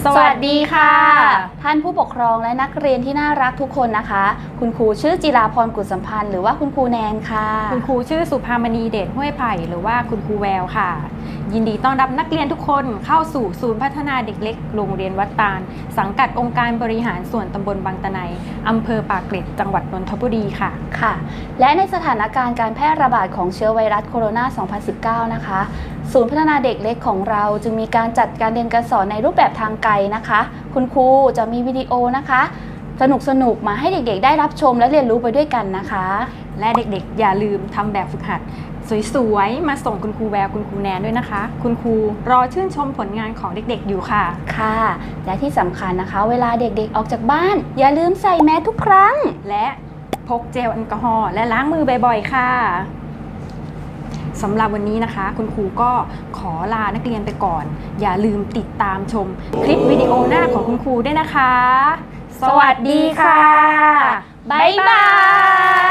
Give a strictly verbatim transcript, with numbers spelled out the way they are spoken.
สวัสดีค่ะท่านผู้ปกครองและนักเรียนที่น่ารักทุกคนนะคะคุณครูชื่อจิราพรกุศสัมพันธ์หรือว่าคุณครูแนนค่ะคุณครูชื่อสุภามณีเดชห้วยไผ่หรือว่าคุณครูแววค่ะยินดีต้อนรับนักเรียนทุกคนเข้าสู่ศูนย์พัฒนาเด็กเล็กโรงเรียนวัดตาลสังกัดองค์การบริหารส่วนตำบลบางตะไนอำเภอปากเกร็ดจังหวัดนนทบุรีค่ะค่ะและในสถานการณ์การแพร่ระบาดของเชื้อไวรัสโคโรนา สองพันสิบเก้า นะคะศูนย์พัฒนาเด็กเล็กของเราจึงมีการจัดการเรียนการสอนในรูปแบบทางไกลนะคะคุณครูจะมีวิดีโอนะคะสนุกสนุกมาให้เด็กๆได้รับชมและเรียนรู้ไปด้วยกันนะคะและเด็กๆอย่าลืมทำแบบฝึกหัดสวยๆมาส่งคุณครูแววคุณครูแนนด้วยนะคะคุณครูรอชื่นชมผลงานของเด็กๆอยู่ค่ะค่ะและที่สำคัญนะคะเวลาเด็กๆออกจากบ้านอย่าลืมใส่แมสทุกครั้งและพกเจลแอลกอฮอล์และล้างมือบ่อยๆค่ะสำหรับวันนี้นะคะคุณครูก็ขอลานักเรียนไปก่อนอย่าลืมติดตามชมคลิปวิดีโอหน้าของคุณครูด้วยนะคะสวัสดีค่ะบ๊ายบาย